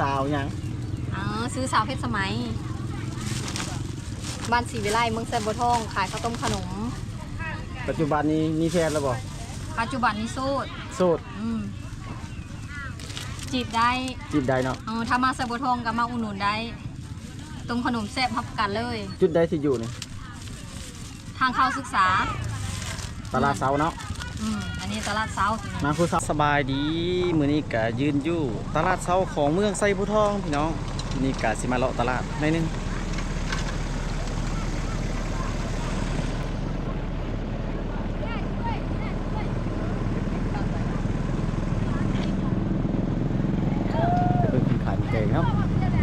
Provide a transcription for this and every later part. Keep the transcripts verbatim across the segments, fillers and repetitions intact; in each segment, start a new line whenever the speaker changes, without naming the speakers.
าวยัง
อ๋อซื้อสาวเพชรสมัยบ้านศรีวิไลเมืองแซมโบทองขายข้าวต้มขนม
ปัจจุบันนี้มีแฟนแล้วบ่
ปัจจุบันนี้โสด
โสด
อืมจีบได้
จีบได้เนาะ
เออถ้ามาแซมโบทองก็มาอุดหนุนได้ตรงขนมแซ่บพับกันเลย
จุดได้ที่อยู่นี่
ทางเข้าศึกษา
ตลาดเสาเนาะ
อืมอันนี้ตลาดเสา
มาคุณสบายดีมื้อนี้ก็ยืนอยู่ตลาดเสาของเมืองไซบูทองพี่น้องนี่ก็สิมาเลาะตลาดหน่อยนึงจะเป็นขายเก่งเนาะ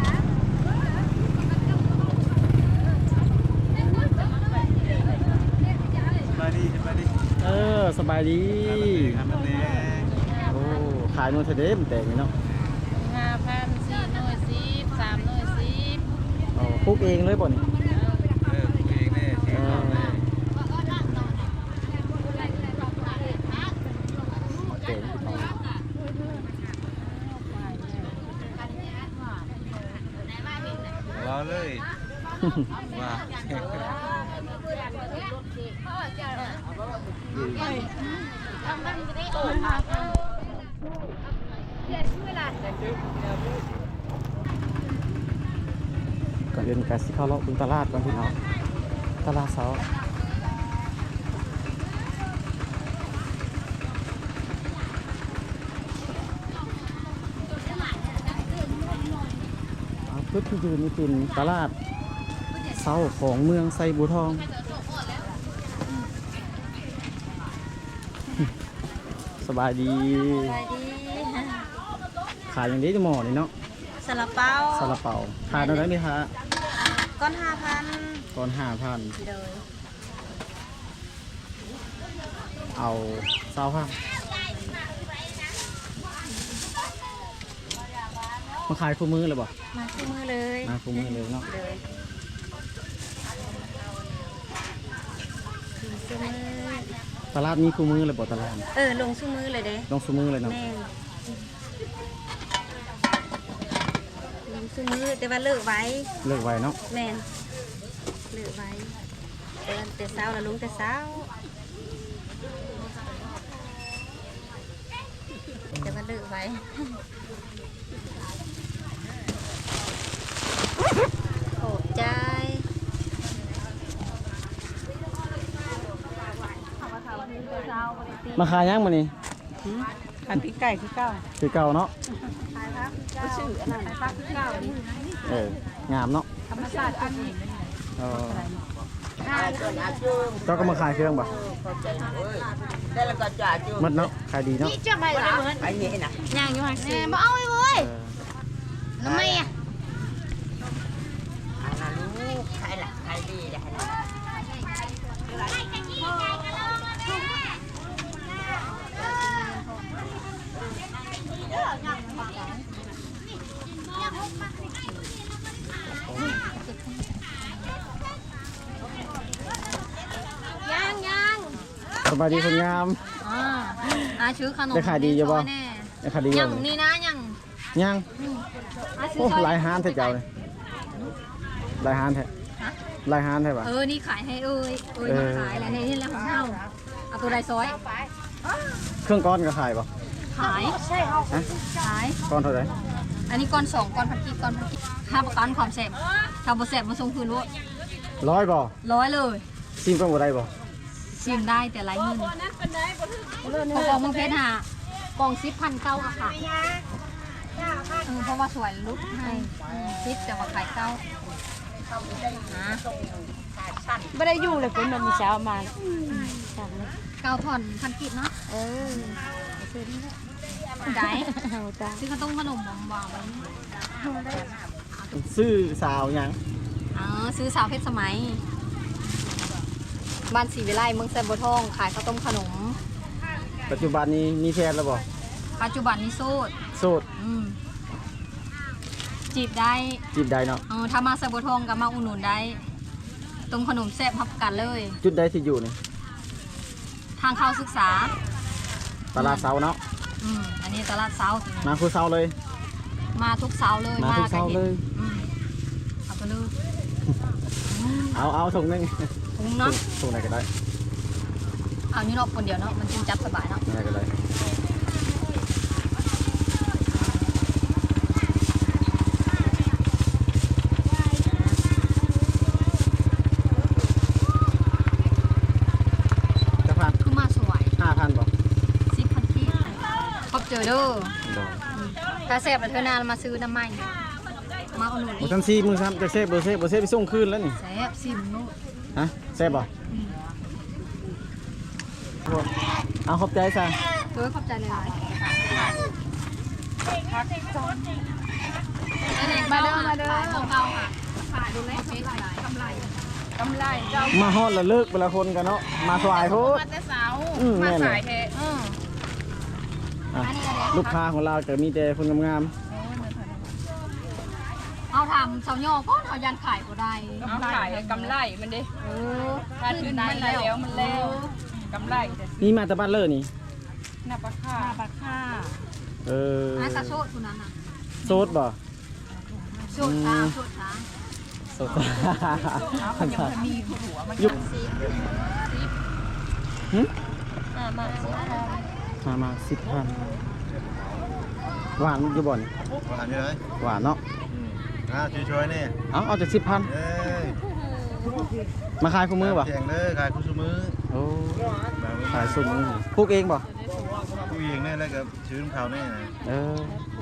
เออสบายดีโอ้ขายนู่นเทเดมแต่งเนาะ
ห้าพันสี่หน่วยสิบสามหน่วยสิบ
อ๋อปลูกเองเลยบ่นี่
เออปลูกเองเนี่ยเชียงทองเลย
เก่ง
รอเลยว่า
ก่อนเดินกาสิเข้าเลาะบึงตลาดก่อนพี่น้องตลาดเสาจุดที่ยืนนี่เป็นตลาดเสาของเมืองไซบูทองสบายดี
สบายดี
ขายอย่างนี้จะหมอนี่เนาะ
ซาลาเปา
ซาลาเปาขายเท่าไหร่ไหมคะ
ก้อนห้าพัน
ก้อนห้าพัน
เลย
เอาเศร้าพันมาขายคู่มือเลยบ่
มาคู่มือเลย
มาคู่มือเลยเนาะ
เลย
ตลาดมีคู่มือเลยบ่ตลาด
เออลงคู่มือเลยเด้
ลงคู่มือเลยเนาะ
ซื้อมือแต่ว่าเลิกไว้
เลิกไว้เนาะ
แม่นเลิกไว้แต่แต่เช้าแล้วลุงแต่เช้าแต่ว่าเลิกไว้โอ้ใจ
มาขายยังมานี่
ขายพริกไก่คือเก้า
คือเก่าเนาะ
ก็ชื่ออันนั้นปลาคือเก้า
เอองามเนาะ
ธรรมชาติอันนี้
เออเจ้าก็มาขายเครื่องป่ะมัดเนาะขายดีเนาะ
จะไม่หรอไอ้นี่นะ
ย่างอยู่ห่างสิ
มาเอาไปเว้ยทำไมอ่ะขายหลักขายดีเลย
ยังยัง
สบายดีคนงาม
อ่าอาชื่อขนม
ได้ขายดีอยู่ป่ะได้ขายดีอยู่
ยังนี่นะยัง
ยังโอ้ลายฮานแท้เจ้าเลยลายฮานแท้ลายฮานแท้ป่ะ
เออนี่ขายให้เอ้ยเอ้ยมาขายอะไรนี่แหละของเฮาเอาตัวใดซอย
เครื่องก้อนก็ขายป่ะ
ขายใช่เอาขาย
ก้อนเท่าไหร่
อันนี้ก้อนสองก้อนพันกีบก้อนพันกีบห้าประกันความแสบถ้าบ่แสบมาส่งคืนรู้
ร้อยบ่
ร้อยเลย
ซิมก็บ่ได้บ่
ซิมได้แต่ไรเงินพอกองเมืองเพชรหากองซิปพันเก้าอะค่ะเออเพราะว่าสวยลุกให้ซิปแต่ว่าขายเก้า
ไม่ได้อยู่เลยคุณมันมีเช้ามา
เก้าผ่อนพันกีบเนาะ
เออ
ได้ซื้อข้าวต้มขนมหวาน
ซื้อสาวยัง
อ๋อซื้อสาวเพชรสมัยบ้านศรีวิไลเมืองแซมโบทองขายข้าวต้มขนม
ปัจจุบันนี้มีแฟนแล้วบ่
ปัจจุบันนี้โสด
โสด
อืมจีบได้
จีบได้เนาะ
เออถ้ามาแซมโบทองก็มาอุดหนุนได้ตรงขนมแซ่บพับกันเลย
จุดได้ที่อยู่นี่
ทางเข้าศึกษา
ตลาดเสาเนาะ
อืมอันนี้ตลาดเสา
มาคือเสาเลย
มาทุกเสาร์เลย
มาทุกเช้าเลย
อืมเอาไปเลย
เอาเอาถุงหนึง
ถุงเนาะ
ถุงไหนก็ได้
เอานี่เนาะคนเดียวเนาะมันจึงจับสบายเนาะ
ไหนก็ได้จะพัน
คือมาสวย
ห้าพันป่ะ
สิบพันที่พบเจอเด้อ
โดน
ถ้าแซ่บแล้วเธอนานมาซื้อน้ำมันมาเอาหนุน
หมดทั้งสี่มือซ้ำจะเซฟเบอร์เซฟเบอร์เซฟไปส่งคืนแล้วนี่
แซ่บสิมนุ
ฮะเซฟป่ะเอาขอบใจซะ
เด้อขอบใจเลยมาเด้อมาเด้อเก่าค่ะขายดูแลเฟซกำไรกำไรเจ้า
มาฮอดแล้วเลิกเวลาคนกันเนาะมาสวายโพด
มาแต่เสา
อืม
มา
แม่นเล
สาย
ย
แท้
อือ
อ่ะลูกค้าของเราจะมีแต่คนงาม
เอาทำเสาย่อก็เอายันขายก็ได้
เอาขายกำไรมันดิ
เออ
ถ้าถือมันแล้วมันแล้วกำไรแต่
ๆนี่มาแต่บ้านเลอนี่
หน้าปลาค่าปลาค่า
เออ
อากาโซดคนนั้นน่ะ
โซดบ่
โซดช้างโซดช้าง
โซด
มันยังมีหัวมัน
ยุบหึ
มามาสิค่ะ
มามาสิบพันหวานอยู่บ่อน
หวานอยู่เลย
หวานเนาะ
อ่าช่วยๆนี่
เอาเอาจากสิบพัน
เอ้ย
มาขายคู่มือบ่
แข่งเลยขายคู่ชูมือ
โอ้ขายสุ่มมือปลูกเองบ่
ผู้หญิงเนี่ยแล้วก็ชื้นเขาเนี่ยนะ
เออ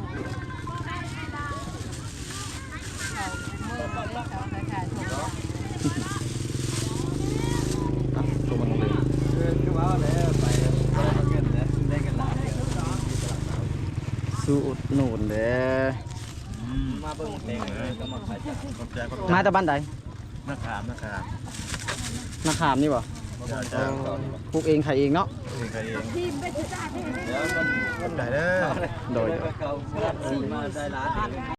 เอาตัวมันเลย
คือว่าแล้วไปเงินนะได้กันหลาย
สู้อุดหนุนเด้อ
มาเบิ่งเพลงเลยก็มาขายขอบใจขอบใจ
มาแต่บ้านใด
นักขามนักขาม
นาขามนี่บ่
เจ้าเจ้าเขานี่
ปลูกเองขายเองเนาะ
เองใครเองเดี๋ยวมันได้เด้อ
โดย
เขาสีมาได้ร้าน